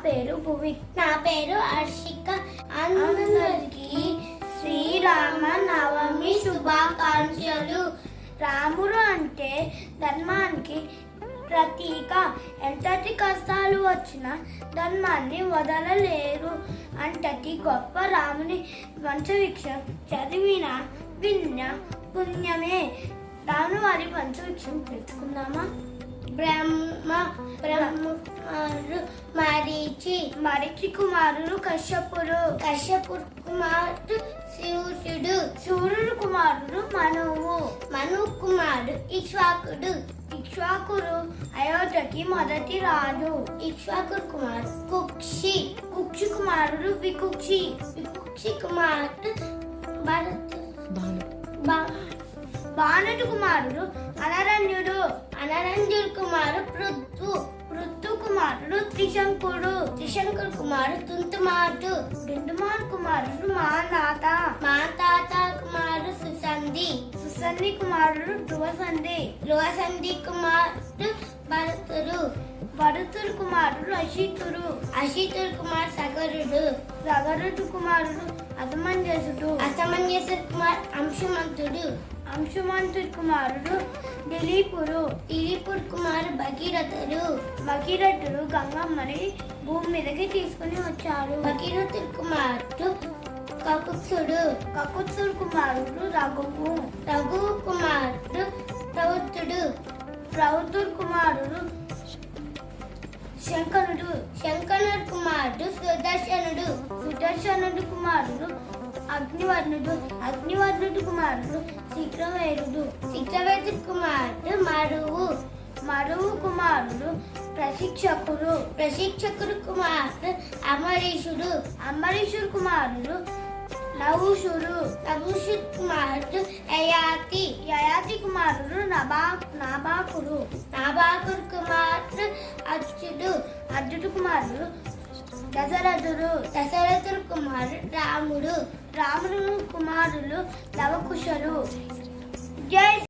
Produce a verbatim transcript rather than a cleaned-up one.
పేరు భువి. నా పేరు హర్షిక. అందరికీ శ్రీరామ నవమి శుభాకాంక్షలు. రాముడు అంటే ధర్మానికి ప్రతీక. ఎంతటి కష్టాలు వచ్చినా ధర్మాన్ని వదలలేరు. అంతటి గొప్ప రాముని వంశవృక్షం చదివిన విన్న పుణ్యమే. రాముని వారి వంశవృక్షం తెలుసుకుందామా? బ్రహ్మ బ్రహ్మకుమారుడు మరీచి. మరీచి కుమారుడు కశ్యపుడు. కశ్యపుడు కుమారుడు సూర్యుడు. సూర్యుడు కుమారుడు మనువు. మను కుమారుడు ఇక్ష్వాకుడు. ఇక్ష్వాకుడు అయోధ్యకి మొదటి రాజు. ఇక్ష్వాకుడు కుమారుడు కుక్షి. కుక్షి కుమారుడు వికుక్షి. వికుక్షి కుమారుడు భరతు. బాణుడు కుమారుడు అనరణ్యుడు. అనరంజుడు కుమారుడు పృథు. పృథు కుమారుడు త్రిశంకుడు. త్రిశంకుడు కుమారుడు తుంతుమారుడు. దుందుమార్ కుమారుడు మానాత. మాతాత కుమారుడు సుసంధి. సుసంధి కుమారుడు ధ్రువసంధి. ధ్రువసంధి కుమారుడు భరతుడు. భరతుడు కుమారుడు అశితుడు. అశితుడు కుమారుడు సగరుడు. సగరుడు కుమారుడు అసమంజసుడు. అసమంజసుడు కుమారుడు అంశుమంతుడు. అంశుమంతుడి కుమారుడు దిలీపుడు. దిలీపుడు కుమారుడు భగీరథుడు. భగీరథుడు గంగమ్మని భూమి మీదకి తీసుకుని వచ్చాడు. భగీరథుడు కుమారుడు కకుత్సుడు. కకుత్సుడు కుమారుడు రఘువు. రఘు కుమారుడు ప్రవృత్తుడు. ప్రవృత్తుడు కుమారుడు శంకరుడు. శంకరుడు కుమారుడు సుదర్శనుడు. సుదర్శనుడు కుమారుడు అగ్నివర్ణుడు. అగ్నివర్ణుడు కుమారుడు శీఘ్రవేరుడు. శీఘ్రవేరుడు కుమారుడు మరువు. మరువు కుమారుడు ప్రశిక్షకుడు. ప్రశిక్షకుడు కుమారుడు అమరీషుడు. అమరీషుడు కుమారుడు నహుషుడు. నహుషుడు కుమారుడు యయాతి. యయాతి కుమారుడు నబా నాబాకుడు. నాబాకుడు కుమారుడు అర్జుడు. అర్జుడు కుమారుడు దశరథుడు. దశరథుడు కుమారుడు రాముడు. రాముడు కుమారులు లవకుశలు. జై